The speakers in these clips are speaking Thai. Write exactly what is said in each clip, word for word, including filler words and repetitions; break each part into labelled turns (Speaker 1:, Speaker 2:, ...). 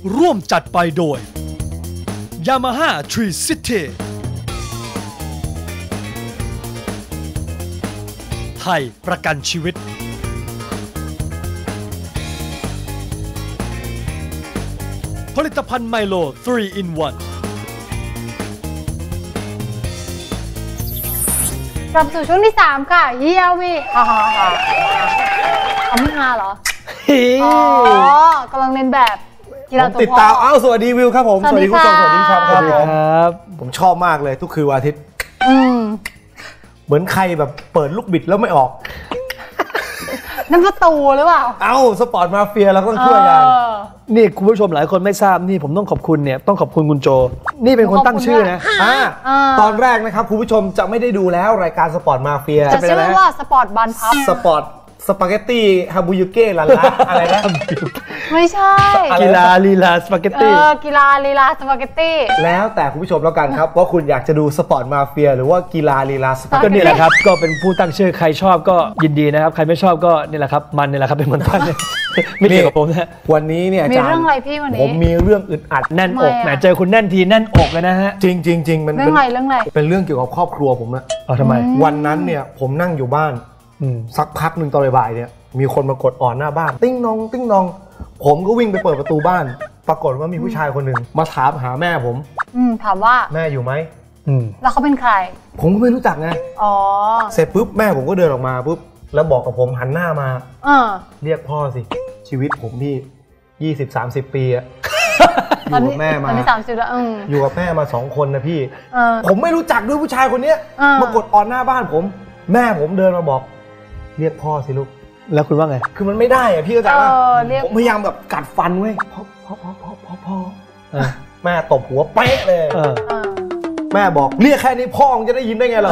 Speaker 1: ร่วมจัดไปโดย Yamaha Tree City ไทยประกันชีวิตผลิตภัณฑ์ไมโล ทรี อิน วัน
Speaker 2: กลับสู่ช่วงที่สามค่ะเยี่ยวีฮ่าฮ่าฮ่าเอาไม่ฮาเหรออ๋อกำลังเล่นแบบกีฬาตัวพ่อ
Speaker 3: ติดตามอ้าวสวัสดีวิวครับผม
Speaker 2: สวัสดีคุณผู้ชมสวัสดีครับ
Speaker 3: สวัสดีครับผมชอบมากเลยทุกคืนวันอาทิตย์เหมือนใครแบบเปิดลูกบิดแล้วไม่ออก
Speaker 2: นั่นประตูหรือเปล่า
Speaker 3: เอ้าสปอร์ตมาเฟียเราต้องช่วยกัน
Speaker 1: นี่คุณผู้ชมหลายคนไม่ทราบนี่ผมต้องขอบคุณเนี่ยต้องขอบคุณคุณโจนี่เป็นคนตั้งชื่อนะ
Speaker 3: ตอนแรกนะครับคุณผู้ชมจะไม่ได้ดูแล้วรายการสปอร์ตมาเฟีย
Speaker 2: จะชื่อว่าสปอร์ตบันพับ
Speaker 3: สปอร์ตสปาเกตตี้ฮาบูยุเก้ลาลาอะไรนะ
Speaker 2: ไม่ใช่
Speaker 1: กีฬาลีลาสปาเกตตี้
Speaker 2: เออกีฬาลีลาสปาเกตตี้
Speaker 3: แล้วแต่คุณผู้ชมแล้วกันครับว่าคุณอยากจะดูสปอร์ตมาเฟียหรือว่ากีฬาลีลาสปาเกตตี้
Speaker 1: ก็นี่แหละครับก็เป็นผู้ตั้งชื่อใครชอบก็ยินดีนะครับใครไม่ชอบก็นี่แหละครับมันนี่แหละครับเป็นคนตั้งไม่เกี่ยวกับผมนะ
Speaker 3: วันนี้เนี่ยอาจารย์
Speaker 2: มีเรื่องอะไรพี่วันนี้
Speaker 3: ผมมีเรื่องอึดอัด
Speaker 1: แน่นอกแหมเจอคุณแน่นทีแน่นอกเลยนะฮะ
Speaker 3: จริงจริงจริงมัน
Speaker 2: เรื่องอะไรเรื่องอะไร
Speaker 3: เป็นเรื่องเกี่ยวกับครอบครัวผมนะ
Speaker 1: อ๋อทำไม
Speaker 3: วันนั้นเนี่ยผมนั่งอยู่บ้านสักพักหนึ่งตอนบ่ายเนี่ยมีคนมากดอ่อนหน้าบ้านติ้งนองติ้งนองผมก็วิ่งไปเปิดประตูบ้านปรากฏว่ามีผู้ชายคนหนึ่งมาถามหาแม่ผม
Speaker 2: อืมถามว่า
Speaker 3: แม่อยู่ไหม
Speaker 2: แล้วเขาเป็นใคร
Speaker 3: ผมก็ไม่รู้จักไงอ๋อเสร็จปุ๊บแม่ผมก็เดินออกมาปุ๊บแล้วบอกกับผมหันหน้ามาเรียกพ่อสิชีวิตผมพี่ยี่สิบสามสิบปีอะอยู่กับแม่มา
Speaker 2: สามสิบแล้ว
Speaker 3: อยู่กับแม่มาสองคนนะพี่ผมไม่รู้จักด้วยผู้ชายคนนี้มากดอ่อนหน้าบ้านผมแม่ผมเดินมาบอกเรียกพ่อสิลูก
Speaker 1: แล้วคุณว่าไง
Speaker 3: คือมันไม่ได้อะพี่เข้าใจป่ะผมพยายามแบบกัดฟันเว้ยพ่อพ่อพ่อพ่อพ่อพ่อแม่ตบหัวเป๊ะเลยแม่บอกเรียกแค่นี้พ่อจะได้ยินได้ไงเรา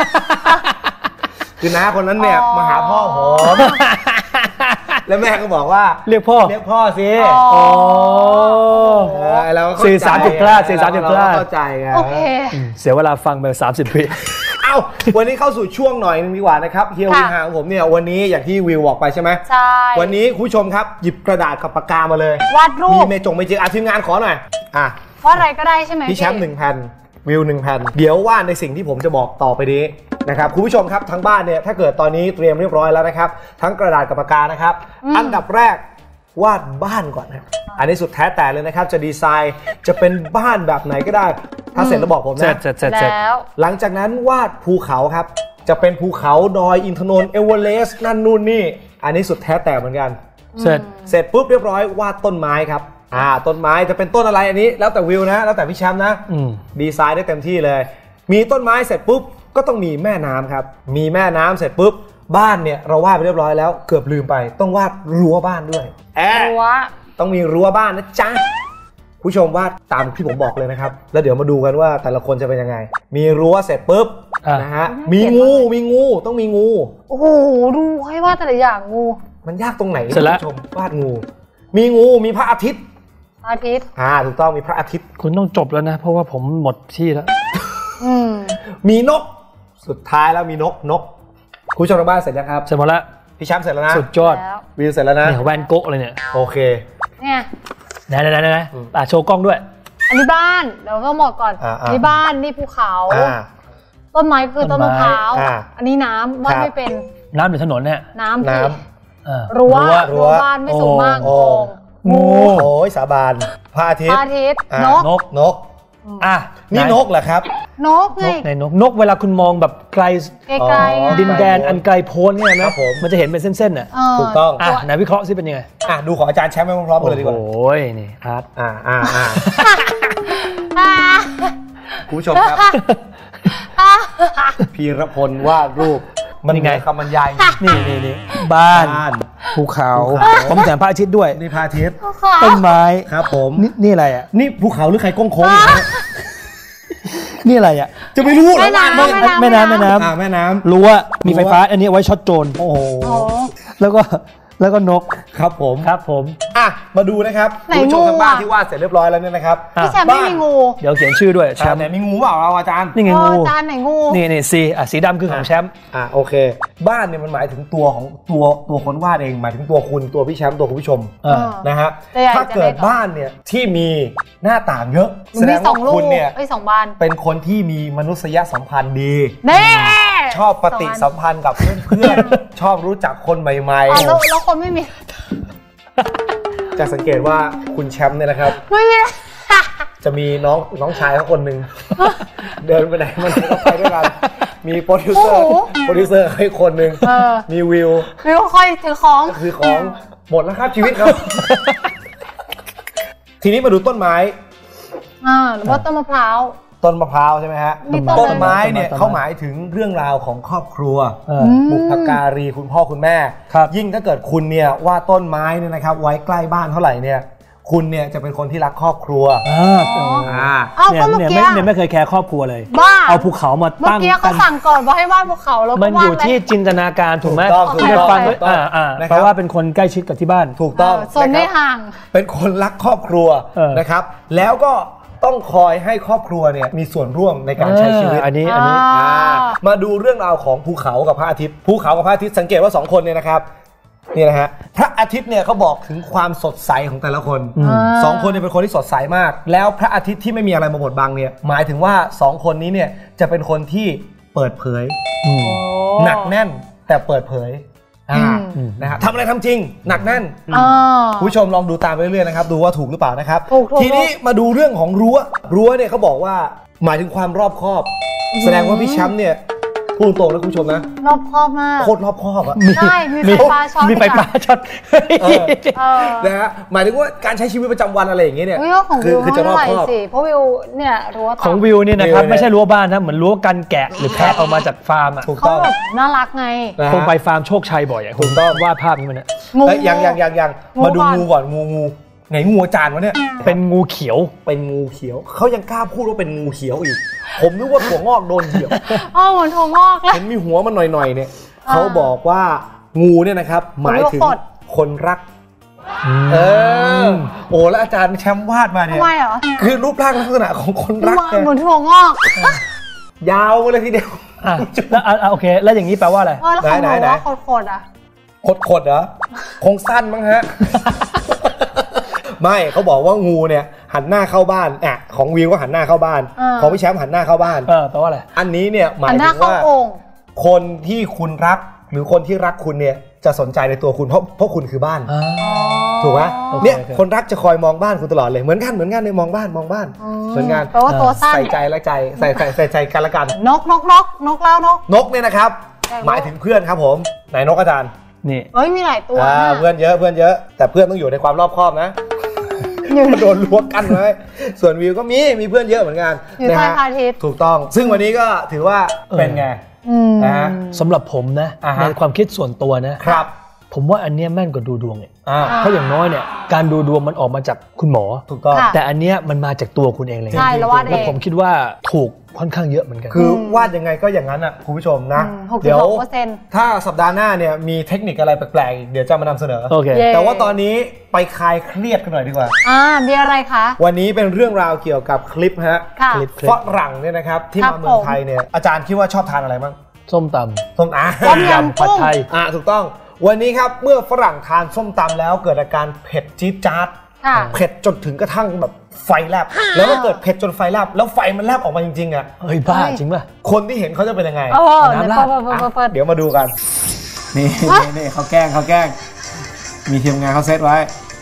Speaker 3: คือน้าคนนั้นเนี่ยมาหาพ่อผมแล้วแม่ก็บอกว่า
Speaker 1: เรียกพ่อ
Speaker 3: เรียกพ่อสิ
Speaker 1: อ๋อ
Speaker 3: แล้ว
Speaker 1: สี่สามสิบกล้าสี่สามสิบกล้า
Speaker 3: เข้าใจไง
Speaker 2: โอเค
Speaker 1: เสียเวลาฟังไปสามสิบปี
Speaker 3: เอ้าวันนี้เข้าสู่ช่วงหน่อยนึงดีกว่านะครับเฮียวิหาของผมเนี่ยวันนี้อย่างที่วิวบอกไปใช่ไหม
Speaker 2: ใช่
Speaker 3: วันนี้คุณผู้ชมครับหยิบกระดาษกับปากกามาเลยว
Speaker 2: าดรูป
Speaker 3: มีเมจงเมจิกอ่ะทีมงานขอหน่อยอ่ะ
Speaker 2: วาดอะไรก็ได้ใช่ไหม
Speaker 3: พี่แชมป์หนึ่งแผ่นวิวหนึ่งแผ่นเดี๋ยววาดในสิ่งที่ผมจะบอกต่อไปนี้นะครับคุณผู้ชมครับทั้งบ้านเนี่ยถ้าเกิดตอนนี้เตรียมเรียบร้อยแล้วนะครับทั้งกระดาษกับปากกานะครับอันดับแรกวาดบ้านก่อนนะอันนี้สุดแท้แต่เลยนะครับจะดีไซน์จะเป็นบ้านแบบไหนก็ได้ถ้าเสร็จแล้วบอกผมนะ
Speaker 1: เสร็จเสร็จเสร็จ
Speaker 2: แล้ว
Speaker 3: หลังจากนั้นวาดภูเขาครับจะเป็นภูเขาดอยอินทนนท์เอเวอเรสต์นั่นนู่นนี่อันนี้สุดแท้แต่เหมือนกัน
Speaker 1: เสร็จ
Speaker 3: เสร็จปุ๊บเรียบร้อยวาดต้นไม้ครับอ่าต้นไม้จะเป็นต้นอะไรอันนี้แล้วแต่วิวนะแล้วแต่พี่แชมป์นะดีไซน์ได้เต็มที่เลยมีต้นไม้เสร็จปุ๊บก็ต้องมีแม่น้ำครับมีแม่น้ำเสร็จปุ๊บบ้านเนี่ยเราวาดไปเรียบร้อยแล้วเกือบลืมไปต้องวาดรั้วบ้านด้วยแอบ
Speaker 2: รั้ว
Speaker 3: ต้องมีรั้วบ้านนะจ๊ะผู้ชมวาดตามที่ผมบอกเลยนะครับแล้วเดี๋ยวมาดูกันว่าแต่ละคนจะเป็นยังไงมีรั้วเสร็จปุ๊บนะฮะมีงูมีงูต้องมีงู
Speaker 2: โอ้โหดูให้วาดแต่ละอย่างงู
Speaker 3: มันยากตรงไหนคุณผู้ชมวาดงูมีงูมีพระอาทิตย์
Speaker 2: พระอาทิตย์
Speaker 3: อ่าถูกต้องมีพระอาทิตย์
Speaker 1: คุณต้องจบแล้วนะเพราะว่าผมหมดที่แล้ว
Speaker 3: มีนกสุดท้ายแล้วมีนกนกคุณผู้ชมทางบ้านเสร็จยังครับ
Speaker 1: เสร็จหมดแล้ว
Speaker 3: พี่แชมป์เสร็จแล้วนะ
Speaker 1: สุดยอด
Speaker 3: วิวเสร็จแล้วนะ
Speaker 1: เนี่ยแวนโก๊ะเลยเนี่ย
Speaker 3: โอเค
Speaker 2: เนี่ย
Speaker 1: ไหนไหนไหนอ่ะโชว์กล้องด้วย
Speaker 2: อันนี้บ้านเดี๋ยวต้องบอกก่อนนี่บ้านนี่ภูเขาต้นไม้คือต้นมะพร้าวอันนี้น้ำว่าไม่เป็น
Speaker 1: น้ำหรือถนนเนี่ย
Speaker 2: น้ำน้ำรั้วรั้วบ้านไม่สูงมาก
Speaker 3: งูโอ้ยสาบานพระอาทิตย์
Speaker 2: พระอาทิตย์นก
Speaker 3: นกนกอ่ะนี่นกเหรอครับ
Speaker 2: นกไง
Speaker 1: ในนกนกเวลาคุณมองแบบไกล
Speaker 2: ไกล
Speaker 1: ดินแดนอันไกลโพ้นเนี่ยนะมันจะเห็นเป็นเส้นๆน่ะ
Speaker 3: ถูกต้อง
Speaker 1: อ่ะไหนวิเคราะห์ซิเป็นยังไง
Speaker 3: อ่ะดูของอาจารย์แชมป์ไปพร้อมๆกันเลยดีกว่า
Speaker 1: โอ้ยนี่อาร์ต
Speaker 3: อ่าอ่าอ่าคุณผู้ชมครับพีรพลวาดรูปมันไงคำบรรยาย
Speaker 1: นี่นี่นี่บ้านภูเขาผมแถมพระอาทิตย์ด้วย
Speaker 3: นี่พระอาทิตย์
Speaker 1: ต้นไม้
Speaker 3: ครับผม
Speaker 1: นี่นี่อะไรอ่ะ
Speaker 3: นี่ภูเขาหรือใครก้งโค้ง
Speaker 1: นี่อะไรอ่ะ
Speaker 3: จะไม่รู้หรอแม่
Speaker 2: น้ำ
Speaker 1: แม่น้ำแม่น้
Speaker 3: ำแม่น้
Speaker 1: ำรู้ว่ามีไฟฟ้าอันนี้ไว้ช็อตโจรโอ้โหแล้วก็แล้วก็นก
Speaker 3: ครับผม
Speaker 1: ครับผม
Speaker 3: อ่ะมาดูนะครับ
Speaker 2: ไหน
Speaker 3: คุณผู้ชมทางบ้าน
Speaker 2: งูอะ
Speaker 3: ที่วาดเสร็จเรียบร้อยแล้วเนี่ยนะครับ
Speaker 2: พี่แชมป์ไม่มีงู
Speaker 1: เดี๋ยวเขียนชื่อด้วยแช
Speaker 3: แชม
Speaker 1: ม
Speaker 3: ป์
Speaker 1: ป์
Speaker 3: เนี่ยมีงูเปล่าเราอาจารย์
Speaker 1: นี่ไง
Speaker 2: เอ
Speaker 1: งู
Speaker 2: อจานไหนงู
Speaker 1: นี่นี่สีอ่ะสีดำคือของแชมป์
Speaker 3: อ่ะโอเค บ้านเนี่ยมันหมายถึงตัวของตัวตัวคนวาดเองหมายถึงตัวคุณตัวพี่แชมป์ตัวคุณผู้ชม
Speaker 1: เออ
Speaker 3: นะฮะ
Speaker 2: จะใหญ่
Speaker 3: ถ้าเกิด
Speaker 2: จะเล็ก
Speaker 3: บ้านเนี่ยที่มีหน้าต่างเยอะ
Speaker 2: มั
Speaker 3: แส
Speaker 2: น
Speaker 3: ด
Speaker 2: มี
Speaker 3: ง
Speaker 2: สอ
Speaker 3: ว่าง
Speaker 2: ลูก
Speaker 3: คุณเนี่ย
Speaker 2: ไอ้ยสองบาน
Speaker 3: เป็นคนที่มีมนุษยสัมพันธ์ดี
Speaker 2: แน่
Speaker 3: ชอบปฏิสัมพันธ์กับเพื่อนๆ ชอบรู้จักคนใหม่
Speaker 2: อ๋อแล้วแล้วคนไม่มี
Speaker 3: ๆ จะสังเกตว่าคุณแชมป์เนี่ยนะครับ
Speaker 2: ไม่มี
Speaker 3: จะมีน้องน้องชายเขาคนหนึ่ง เดินไปไหนมันก็ไปด้วยกันมีโปรดิวเซอร์
Speaker 2: โอ้โห
Speaker 3: โปรดิวเซอร์ให้คนหนึ่ง
Speaker 2: เออ
Speaker 3: มีวิว
Speaker 2: ไม่ค่อยถือของ
Speaker 3: ก็คือของหมดแล้วครับชีวิตครับ ทีนี้มาดูต้นไม้
Speaker 2: อ่าหรือว่าต้นมะพร้าว
Speaker 3: ต้นมะพร้าวใช่ไหมฮะ
Speaker 2: มีต้น
Speaker 3: ต้นไม้เนี่ย
Speaker 1: ต้นไม้
Speaker 3: เขาหมายถึงเรื่องราวของครอบครัว
Speaker 1: เออ
Speaker 3: บุพการีคุณพ่อคุณแม่
Speaker 1: ครับ
Speaker 3: ยิ่งถ้าเกิดคุณเนี่ยว่าต้นไม้เนี่ยนะครับไว้ใกล้บ้านเท่าไหร่เนี่ยคุณเนี่ยจะเป็นคนที่รักครอบครัว
Speaker 1: อ่า
Speaker 2: อ๋อ
Speaker 3: อ่า
Speaker 2: เอา
Speaker 1: เนี่ย
Speaker 2: ก็เมื่อ
Speaker 1: เนี่ย
Speaker 2: กี้
Speaker 1: ไม่เนี่ยไม่เคยแคร์ครอบครัวเลย
Speaker 2: บ้า
Speaker 1: เอาภูเขามา
Speaker 2: เมื่อ
Speaker 1: ตั้ง
Speaker 2: กี้
Speaker 1: กั
Speaker 2: เขา
Speaker 1: น
Speaker 2: สั่งก่อนว่าให้วาดภูเขาแล้ว
Speaker 1: มั
Speaker 2: ก็
Speaker 1: น
Speaker 2: วา
Speaker 1: อ
Speaker 2: ด
Speaker 1: ยู่ที่จินตนาการถูกไหม
Speaker 3: ถูกต้อง
Speaker 1: ที่ได้ฟัง
Speaker 3: ถูกต้อง
Speaker 1: อ่าอ่า
Speaker 3: นะครับ
Speaker 1: เพราะว่าเป็นคนใกล้ชิดกับที่บ้าน
Speaker 3: ถูกต้อง
Speaker 2: โซนไม่
Speaker 3: นะครับ
Speaker 2: ห่าง
Speaker 3: เป็นคนรักครอบครัว
Speaker 1: เออ
Speaker 3: นะครับ แล้วก็ต้องคอยให้ครอบครัวเนี่ยมีส่วนร่วมในการใช้ชีวิต
Speaker 1: เอออันนี้อันนี้
Speaker 2: อ่า
Speaker 3: อ่ามาดูเรื่องราวของภูเขากับพระอาทิตย์ภูเขากับพระอาทิตย์สังเกตว่าสองคนเนี่ยนะครับนี่นะฮะพระอาทิตย์เนี่ยเขาบอกถึงความสดใสของแต่ละคน
Speaker 1: อืม
Speaker 3: สองคนเนี่ยเป็นคนที่สดใสมาก แล้วพระอาทิตย์ที่ไม่มีอะไรมาบดบังเนี่ยหมายถึงว่าสองคนนี้เนี่ยจะเป็นคนที่เปิดเผย
Speaker 1: อืม
Speaker 3: หนักแน่นแต่เปิดเผยอ่า
Speaker 1: อืม
Speaker 3: นะฮะทำอะไรทำจริง หนักแน่น
Speaker 2: อ่า
Speaker 3: คุณผู้ชมลองดูตามไปเรื่อยๆนะครับดูว่าถูกหรือเปล่านะครับ
Speaker 2: ถูกถูก
Speaker 3: ทีนี้มาดูเรื่องของรั้วรั้วเนี่ยเขาบอกว่าหมายถึงความรอบคอบ แสดงว่าพี่แชมป์เนี่ยพูดตรงนะคุณผู้ชมนะ
Speaker 2: รอบคอบมาก
Speaker 3: โคตรรอบคอบอะ
Speaker 2: ใช่มีไฟฟ้าช็อต
Speaker 1: มีไฟฟ้าช็อต
Speaker 3: เออ
Speaker 2: เออ
Speaker 3: นะฮะหมายถึงว่าการใช้ชีวิตประจำวันอะไรอย่างเงี้ยเนี่ย
Speaker 2: วิวของ
Speaker 3: คื
Speaker 2: วิว
Speaker 3: คือ
Speaker 2: เขา
Speaker 3: จะร
Speaker 2: เท่า
Speaker 3: อบ
Speaker 2: ไหร่
Speaker 3: คอบ
Speaker 2: สิเพราะวิวเนี่ยรั้ว
Speaker 1: ของ
Speaker 2: ต่ำ
Speaker 1: วิวเนี่ยนะครับ
Speaker 3: วิวเนี่ย
Speaker 1: ไม่ใช่รั้วบ้านนะเหมือนรั้วกันแกะหรือแพะออกมาจากฟาร์มอ่ะ
Speaker 3: ถูก
Speaker 2: เขา
Speaker 3: ต้อง
Speaker 2: แบบน่ารักไง
Speaker 3: นะ
Speaker 1: คง
Speaker 3: ฮะ
Speaker 1: ไปฟาร์มโชคชัยบ่อยอ่ะ
Speaker 3: ถูกต้อง
Speaker 1: วาดภาพนี้มันเนี่ย
Speaker 2: งู
Speaker 3: เอ้ยยังยังยังยัง
Speaker 2: งู
Speaker 3: มาดู
Speaker 2: ก่อน
Speaker 3: งูก่อนงูงูไหนงูอาจารย์วะเนี่ย
Speaker 1: เป็นงูเขียว
Speaker 3: เป็นงูเขียวเขายังกล้าพูดว่าเป็นงูเขียวอีก ผมนึกว่าถั่วงอกโดนเหยียบ
Speaker 2: อ๋อเหมือนถั่วงอกเลย
Speaker 3: เห็นมีหัวมันหน่อยๆเนี่ย
Speaker 2: อ่า
Speaker 3: เขาบอกว่างูเนี่ยนะครับหมายถึง
Speaker 2: ผมรู้ว่า
Speaker 3: คนรัก เออโอ้แล้วอาจารย์แชมป์วาดมาเนี่ย
Speaker 2: ทำไมเหรอ
Speaker 3: คือรูปร่างลักษณะของคนรัก
Speaker 2: ว่า
Speaker 3: เนี่ย
Speaker 2: เหมือนถั่วงอก
Speaker 3: ยาวมาเลยทีเดียว
Speaker 1: อ่ะแล้วอ่ะอ่ะโอเค แล้วอย่างนี้แปลว่าอะไร
Speaker 2: เออแล้วของหนู
Speaker 3: ไหนไหน
Speaker 2: ว่าโคตรๆอ่ะ
Speaker 3: ขดๆเหรอคงสั้นมั้งฮะ ไม่เขาบอกว่างูเนี่ยหันหน้าเข้าบ้านอ่ะของวิวก็หันหน้าเข้าบ้าน
Speaker 2: อ่า
Speaker 3: ของพี่แชมป์หันหน้าเข้าบ้าน
Speaker 1: เออแปลว่าอะไร
Speaker 3: อันนี้เนี่ยหมาย
Speaker 2: หันห
Speaker 3: ถึ
Speaker 2: น้าง เข้า
Speaker 3: ว่า
Speaker 2: โอ่ง
Speaker 3: คนที่คุณรักหรือคนที่รักคุณเนี่ยจะสนใจในตัวคุณเพราะเพราะคุณคือบ้าน
Speaker 1: อ่า
Speaker 3: ถูกไหม
Speaker 1: โอเค
Speaker 3: เนี่ย
Speaker 1: โอเค
Speaker 3: คนรักจะคอยมองบ้านคุณตลอดเลยเหมือนกันเหมือนกันในมองบ้านมองบ้าน
Speaker 2: อืม
Speaker 3: เหมือนกัน
Speaker 2: แปลว่าตัวสั้น
Speaker 3: ใส่ใจและใจใส่ใส่ใส่ใจกันละกัน
Speaker 2: นกนกนกนกแล้วนก
Speaker 3: นกเนี่ยนะครับ
Speaker 2: แต่ว่า
Speaker 3: หมายถึงเพื่อนครับผมไหนนกอาจารย์
Speaker 1: นี่
Speaker 2: เอ้ยมีหลายตัว
Speaker 3: อ่า
Speaker 2: นะ
Speaker 3: เพื่อนเยอะเพื่อนเยอะ แต่เพื่อนต้องอยู่ในความรอบคอบนะ
Speaker 2: อยู่
Speaker 3: โดนลวกกันไว้ส่วนวิวก็มีมีเพื่อนเยอะเหมือนกัน
Speaker 2: อยู่
Speaker 3: นะ
Speaker 2: ใต้
Speaker 3: ฮะ
Speaker 2: พระอาทิตย์
Speaker 3: ถูกต้อง ซึ่งวันนี้ก็ถือว่าเป็นไง
Speaker 2: อืม
Speaker 3: นะฮะ
Speaker 1: สำหรับผมนะ
Speaker 3: อ่าฮะ
Speaker 1: ในความคิดส่วนตัวนะ
Speaker 3: ครับ
Speaker 1: ผมว่าอันเนี้ยแม่นกว่าดูดวงเนี่ย
Speaker 3: อ่า
Speaker 1: เพราะอย่างน้อยเนี่ยการดูดวงมันออกมาจากคุณหมอ
Speaker 3: ถูกต้อง
Speaker 2: ค่ะ
Speaker 1: แต่อันเนี้ยมันมาจากตัวคุณเองเลย
Speaker 2: ใช่แล้ววาดเอง
Speaker 1: แล้วผมคิดว่าถูกค่อนข้างเยอะเหมือนกัน
Speaker 3: คือวาดยังไงก็อย่างนั้นอ่ะคุณผู้ชมนะ
Speaker 2: อืมหกสิบ
Speaker 3: เดี๋ยว
Speaker 2: หกเปอร์เซ็นต์
Speaker 3: ถ้าสัปดาห์หน้าเนี่ยมีเทคนิคอะไรแปลกๆอีกเดี๋ยวจะมานำเสนอ
Speaker 1: โอเค
Speaker 2: เย้
Speaker 3: แต่ว่าตอนนี้ไปคลายเครียดกันหน่อยดีกว่า
Speaker 2: อ่ามีอะไรคะ
Speaker 3: วันนี้เป็นเรื่องราวเกี่ยวกับคลิปฮะ
Speaker 2: ค่ะ
Speaker 1: คลิป
Speaker 3: ฝรั่งเนี่ยนะครับที่
Speaker 2: ครั
Speaker 3: มา
Speaker 2: บ
Speaker 3: เมือง
Speaker 2: ผม
Speaker 3: ไทยเนี่ยอาจารย์คิดว่าชอบทานอะไรบ้าง
Speaker 1: ส้มต
Speaker 3: ส้มอ่ะ
Speaker 2: ต้ม
Speaker 1: ำ
Speaker 2: ยำ
Speaker 1: ผัดไทย
Speaker 3: อ่ะถูกต้องวันนี้ครับเมื่อฝรั่งทานส้มตำแล้วเกิดอาการเผ็ดจี๊ดจ๊าด
Speaker 2: ค่ะ
Speaker 3: เผ็ดจนถึงกระทั่งแบบไฟแลบแล้วก็เกิดเผ็ดจนไฟแลบแล้วไฟมันแลบออกมาจริงๆอ่ะ
Speaker 1: เฮ้ยบ้า
Speaker 2: เฮ้ย
Speaker 1: จริงป่ะ
Speaker 3: คนที่เห็นเขาจะเป็นยังไง
Speaker 2: เออ
Speaker 1: น้ำ
Speaker 2: เดี๋ยว
Speaker 1: ราด
Speaker 2: เปิดเปิดเปิดเปิด
Speaker 3: เดี๋ยวมาดูกัน นี่
Speaker 2: ฮะ
Speaker 3: นี่นี่เขาแกล้งเขาแกล้ง มีทีมงานเขาเซตไว้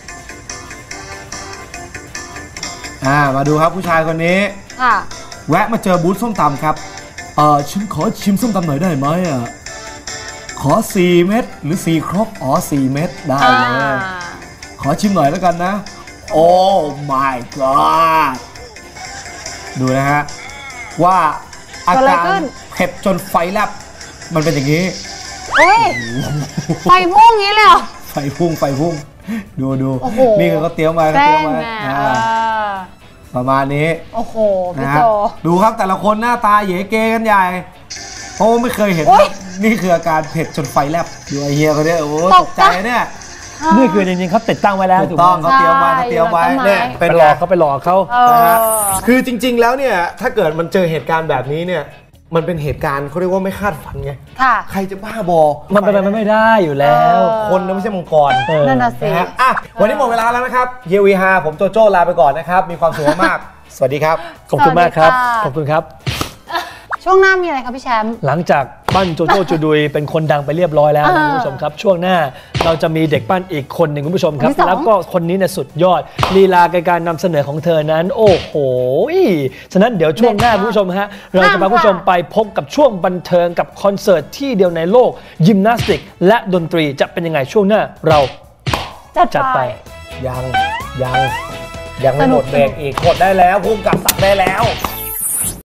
Speaker 3: อ่ามาดูครับผู้ชายคนนี้
Speaker 2: ค่ะ
Speaker 3: แวะมาเจอบูธส้มตำครับ เออฉันขอชิมส้มตำหน่อยได้ไหมอ่ะ ขอสี่เม็ดหรือสี่ครกอ๋อสี่เม็ดได้
Speaker 2: อ่า
Speaker 3: เลย ขอชิมหน่อยแล้วกันนะ โอ้ my god ดูนะฮะ ว่าอาการเผ็ดจนไฟแลบมันเป็นอย่างนี้
Speaker 2: เฮ้ยไฟพุ่งงี้เลยเหรอ
Speaker 3: ไฟพุ่งไฟพุ่ง ดูดู
Speaker 2: โอ้โห
Speaker 3: นี่คือเขาเตรียมมาเขา
Speaker 2: แป้
Speaker 3: เตรียม
Speaker 2: ง
Speaker 3: มา
Speaker 2: ไง
Speaker 3: อ่า
Speaker 2: เออ
Speaker 3: ประมาณนี้
Speaker 2: โอ้โห พี่
Speaker 3: นะ
Speaker 2: โจ
Speaker 3: ฮะดูครับแต่ละคนหน้าตาเหยเกกันใหญ่เพราะว่าไม่เคยเห็น
Speaker 2: โอ๊ย
Speaker 3: นี่คืออาการเผ็ดจนไฟแลบดูไอเฮียเขาเนี่ยโอ้โห
Speaker 2: ต
Speaker 3: ต
Speaker 2: ก
Speaker 3: ก
Speaker 2: ใจ
Speaker 3: ใจเนี่ย
Speaker 1: นี่คือจริงๆเขาติดตั้งไว้แล้ว
Speaker 3: ถูกต้อง
Speaker 1: ไหม
Speaker 3: เขาเตรียมไว้เขาเตรียมไว้
Speaker 2: ใช่
Speaker 3: เนี่ย
Speaker 1: ไป
Speaker 3: เป็น
Speaker 1: หล
Speaker 3: ไง
Speaker 1: อกเขาไปหลอกเขา
Speaker 2: เอ
Speaker 3: นะฮะ
Speaker 2: อ
Speaker 3: คือจริง ๆ แล้วเนี่ยถ้าเกิดมันเจอเหตุการณ์แบบนี้เนี่ยมันเป็นเหตุการณ์เขาเรียกว่าไม่คาดฝันไง
Speaker 2: ค่ะ
Speaker 3: ใครจะบ้าบอ
Speaker 1: มันเป็นไปไม่ได้อยู่แล้ว
Speaker 2: เออ
Speaker 3: คนนะไม่ใช่มังกร
Speaker 1: เออ
Speaker 2: นั่นน่ะสิ
Speaker 3: นะฮะอ่ะวันนี้หมดเวลาแล้วนะครับเฮียวีฮาผมโจโจ้ลาไปก่อนนะครับมีความสุขมากๆ สวัสดีครับ
Speaker 1: ขอบคุณมากครับ
Speaker 2: สวัสดีค่ะ
Speaker 1: ขอบคุณครับ
Speaker 2: ช่วงหน้ามีอะไรคะพี่แชมป์
Speaker 1: หลังจากปั้นโจโจ้จูดุยเป็นคนดังไปเรียบร้อยแล้วนะ
Speaker 2: อ่า
Speaker 1: คุณผู้ชมครับ ช่วงหน้าเราจะมีเด็กปั้นอีกคนหนึ่งคุณผู้ชมครับ
Speaker 2: คนที่สอง
Speaker 1: แล้วก็คนนี้เนี่ยสุดยอดลีลาในการนำเสนอของเธอนั้น โอ้โหฉะนั้นเดี๋ยวช่วงหน้าคุณผู้ชมฮะเราจะพาคุณผู้ชมไปพบกับช่วงบันเทิงกับคอนเสิร์ตที่เดียวในโลกยิมนาสติก และดนตรีจะเป็นยังไงช่วงหน้าเรา
Speaker 2: จัด
Speaker 1: จัด
Speaker 2: ไป
Speaker 1: ไป
Speaker 3: ยังยังยังไม่
Speaker 2: สนุ
Speaker 3: หม
Speaker 2: ก
Speaker 3: ดเบรกอีกกดได้แล้วพุ่มกับสักได้แล้ว